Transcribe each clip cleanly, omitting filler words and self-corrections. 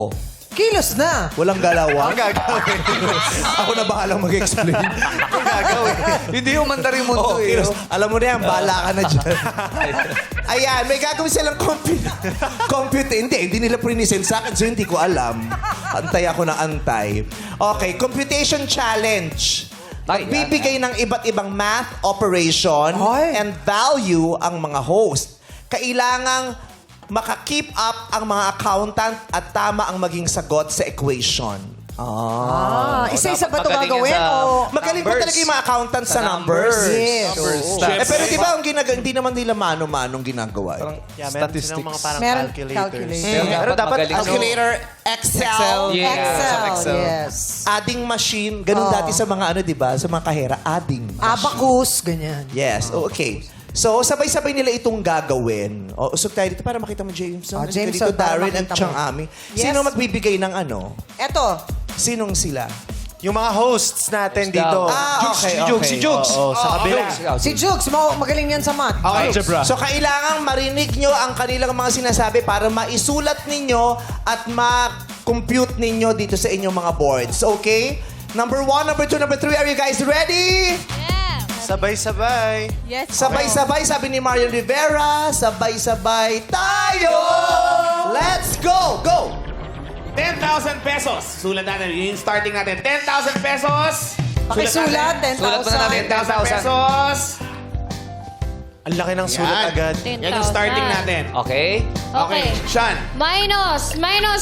Kilos na. Walang galawan. Ang gagawin. Ako na bahalang mag-explain. Ang gagawin. Hindi yung mandar yung mundo eh. kilos. Alam mo na yan, bahala ka na dyan. Ayan, may gagawin silang compute. Hindi nila prinisend sa akin, so hindi ko alam. Antay ako ng antay. Okay, computation challenge. Magbibigay ng iba't ibang math operation and value ang mga host. Kailangang maka-keep up ang mga accountant at tama ang maging sagot sa equation. Isa-isa ba ito magaling gagawin? yan sa O... Magaling po numbers. talaga yung mga accountant sa numbers. Yes. Pero di ba ang hindi naman nila mano-manong ginagawa. Statistics. Mga parang Meron calculators. calculator. Pero dapat magaling. calculator, Excel, Yeah. Excel. Yes. adding machine. Ganun dati sa mga di ba? Sa mga kahera, adding. Abacus, ganyan. Yes, okay. So, sabay-sabay nila itong gagawin. O, usog tayo dito para makita mo, Jameson. Jameson, Dito, para Darren, at makita mo. Chang Ami. Yes. Sino magbibigay ng ano? Eto. Sinong sila? Yung mga hosts natin dito. Okay, Si Jugs. Oo, sa kabila. Si Jugs, magaling yan sa math. Okay. So, kailangan marinig nyo ang kanilang mga sinasabi para maisulat ninyo at ma-compute ninyo dito sa inyong mga boards. Okay? Number 1, number 2, number 3. Are you guys ready? Sabay-sabay. Yes. Sabay-sabay, sabi ni Marian Rivera. Sabay-sabay tayo! Let's go! Go! 10,000 pesos. Sulat natin. Yung starting natin. 10,000 pesos. Pakisulat, 10,000. Sulat mo na natin, 10,000 pesos. Ang laki ng sulat Yan. agad. Yan yung starting natin. Okay. Okay. Sean. Minus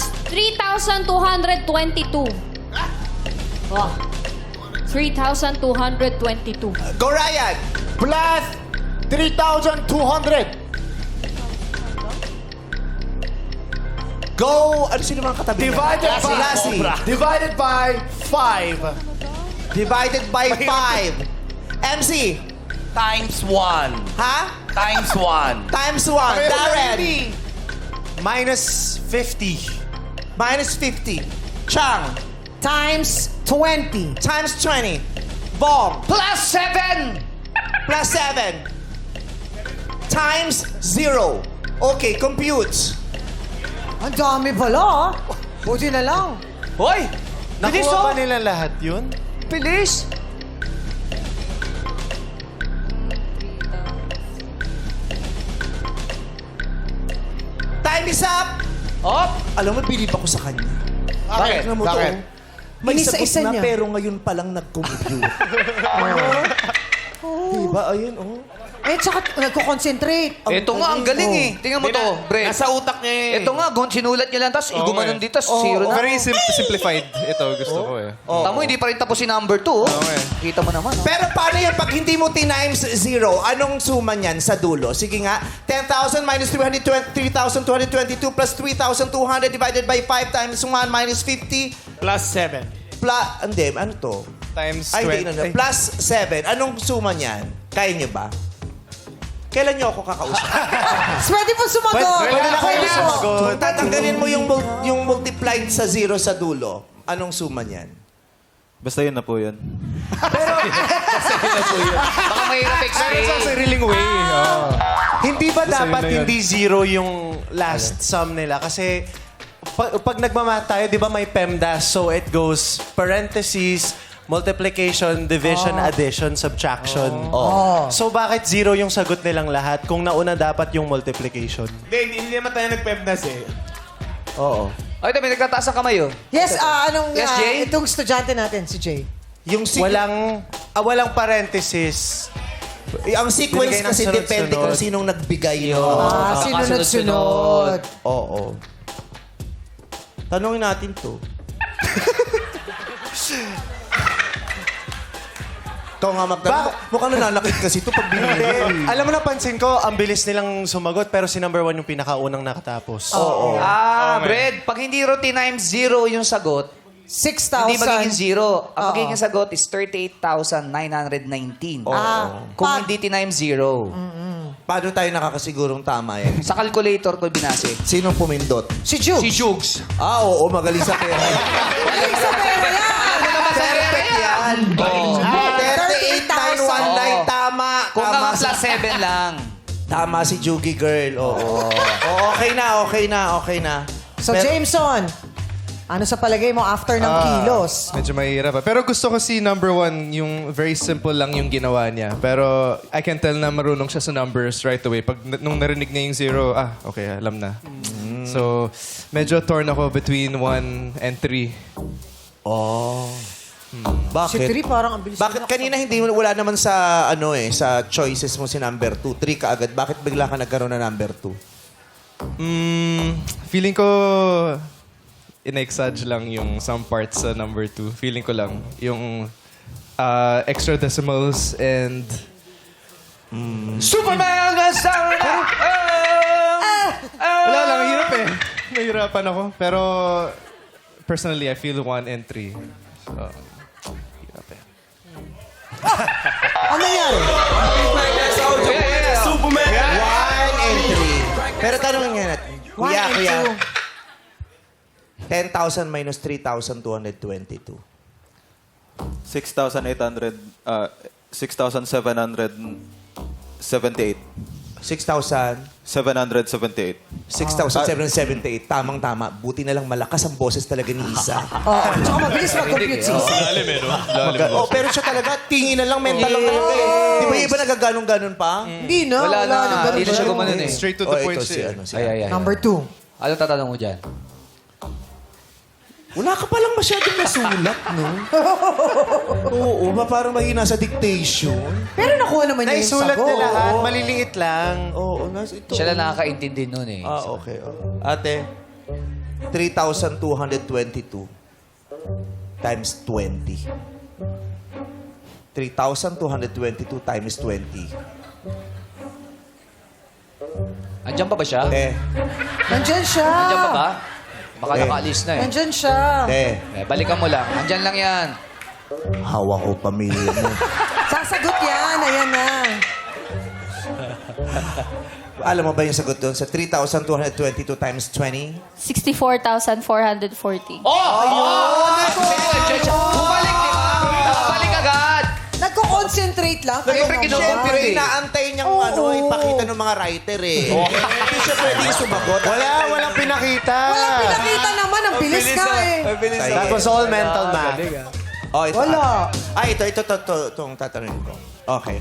3,222. Oh. 3,222. Go, Ryan! Plus 3,200. Go! Ano sino mga katabi? Divided by Lassie. Divided by 5. Divided by 5. MC. Times 1. Ha? Times 1. Times 1. Darren. Minus 50. Minus 50. Chang. Times 20. Times 20. Bong. Plus 7! Plus 7. Times 0. Okay, compute. Ang dami pala, Buti na lang. Hoy! Bilis Nakuha oh! ba nila lahat yun? Bilis! Time is up! Op! Alam mo, bilib ako sa kanya. Bakit? Alam mo to, Bakit? may Inisa-isa sagot na niya. pero ngayon palang nag-compute. Diba? Ayun, oh. Eh, tsaka nagko-concentrate. Ito nga, ang galing eh. Tingnan mo to, Brett. Nasa utak niya eh. Ito nga, sinulat niya lang, tapos gumanon dito, tapos zero na. Very simplified. Ito, gusto ko eh. Tamo, hindi pa rin tapos si number 2. Kita mo naman. Pero paano yan pag hindi mo times 0? Anong suma niyan sa dulo? Sige nga, 10,000 minus 3,222 plus 3,200 divided by 5 times 1 minus 50 Plus 7. plus, hindi, ano to? Times Ay, 20. hindi, plus 7. Anong suma niyan? Kaya niyo ba? Kailan niyo ako kakausap? Pwede mo sumagot. Pwede na kayo sumagot. Tatanggalin mo yung multiplied sa 0 sa dulo. Anong suma niyan? Basta yun na po yun. Baka mahirap Pero sa explain. sariling way. Hindi ba dapat yun na yun. hindi zero yung last sum nila? Kasi pag nagmamath tayo, di ba may PEMDAS? So it goes parentheses, multiplication, division, addition, subtraction. So bakit zero yung sagot nilang lahat kung nauna dapat yung multiplication? Hindi naman tayo nag-pemdas eh. Oo. Ay, ito, may nagtataas ang kamay oh. Yes, Yes, Jay? itong estudyante natin, si Jay. Yung Walang parentheses. ang sequence Binigay ng kasi sunod-sunod. depende kung sinong nagbigay no. Sinunod-sunod. Oo. Tanungin natin to. Ikaw nga magtanong. Mukhang nananakit kasi ito pag binili. Alam mo, napansin ko, ang bilis nilang sumagot pero si number 1 yung pinakaunang nakatapos. Brad, pag hindi ro times 0 yung sagot, 6,000. hindi magiging 0. Ang magiging sagot is 38,919. Kung hindi times 0. Paano tayo nakakasigurong tama yan? Sa calculator ko binase. Sinong pumindot? Si Juke. Si Jugs. Oo, magaling sa pera. Magaling sa pera yan. Perfect yan. 38,919, tama. Kung Tama ka plus 7 lang. Tama si Jugi girl. Oo. Okay na. So, Pero- Jameson, Ano sa palagay mo after ng kilos? Medyo mahirap pa. Pero gusto ko si number 1, yung very simple lang yung ginawa niya. Pero I can tell na marunong siya sa numbers right away. Nung narinig niya yung 0, okay, alam na. So, medyo torn ako between 1 and 3. Oh. Si Bakit? 3 parang ang bilis. Bakit kanina wala naman sa sa choices mo si number 2, 3 ka agad. Bakit bigla ka nagkaroon na number 2? Feeling ko in-exage lang yung some parts sa number 2. Feeling ko lang. Yung extra decimals and... Superman! Wala lang, hirap eh. Nahirapan ako. Pero personally, I feel 1 and 3. So, hirap eh. Ano nangyari? Superman! 1 and 3. Pero tanongin nga natin. Kuya, 1 and kuya. 2. 10,000 minus 3,222. 6,778. 6,000. 778. 6,778. Tamang-tama. Buti na lang malakas ang boses talaga ni Isa. Oo. Tsaka mabilis mag-compute si Isa. Pero siya talaga, tingin na lang, mental lang talaga eh. Di ba yung iba nagaganong-ganon pa? Hindi na. Wala na. ganun Hindi na siya ba? gumanon eh. Straight to the point ito si, siya. si Ay. Number 2. Anong tatanong mo dyan? Wala ka palang masyadong nasulat, no? Oo, parang mahina sa dictation. Pero nakuha naman niya yung Naisulat sagot. na lahat. Maliliit lang. Oo, ito. Siya lang nakakaintindi nun eh. Okay. Ate, 3,222 times 20. 3,222 times 20. Andyan pa ba siya? Nandyan siya. Andyan pa ba? Baka Eh. nakaalis na eh. Nandyan siya. Balikan mo lang. Andyan lang yan. Hawak ko pamilya mo. Sasagot yan. Ayan na. Alam mo ba yung sagot doon? Sa 3,222 times 20? 64,440. Andyan siya. Bumalik, di ba? Bumalik agad. Nagko-concentrate lang. Siyempre, Siyempre, inaantay niyang ipakita ng mga writer eh. Hindi siya pwedeng sumagot. Walang pinakita. Walang pinakita naman. Ang bilis ka eh. That was all mental math. Oh, ito. Wala. Ito. Itong tatanungin ko. Okay.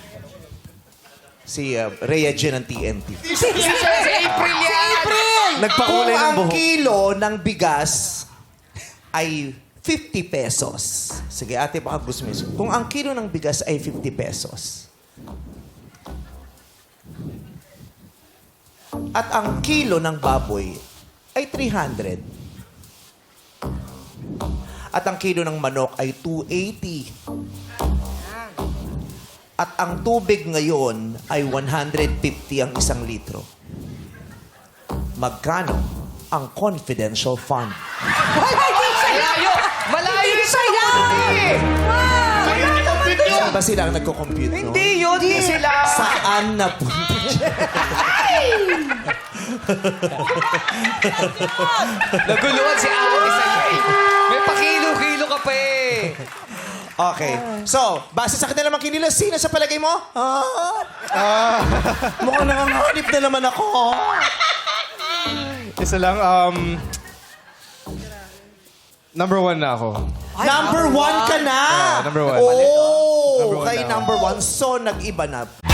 Si Rhea Jen ng TNT. Si April yan. Kung Nagpakulay ng ang buhok. kilo ng bigas ay 50 pesos. Sige, ate, baka gusto mo. Kung ang kilo ng bigas ay 50 pesos. At ang kilo ng baboy ay 300. At ang kilo ng manok ay 280. At ang tubig ngayon ay 150 ang 1 litro. Magkano ang confidential fund? Malayo! Malayo yung sagot eh! Saan ba sila ang nagko-compute, no? Hindi yun. Hindi sila. Saan na punta? Naguluhan si Ate sa'yo eh. May pakilo-kilo ka pa eh. Okay. So, base sa kanilang makinila, sino sa palagay mo? Mukhang nanganganib na naman ako. Isa lang, number 1 na ako. Number 1 ka na! Number 1. Oh, Number one kay na ako. number 1. So, nag-iba na.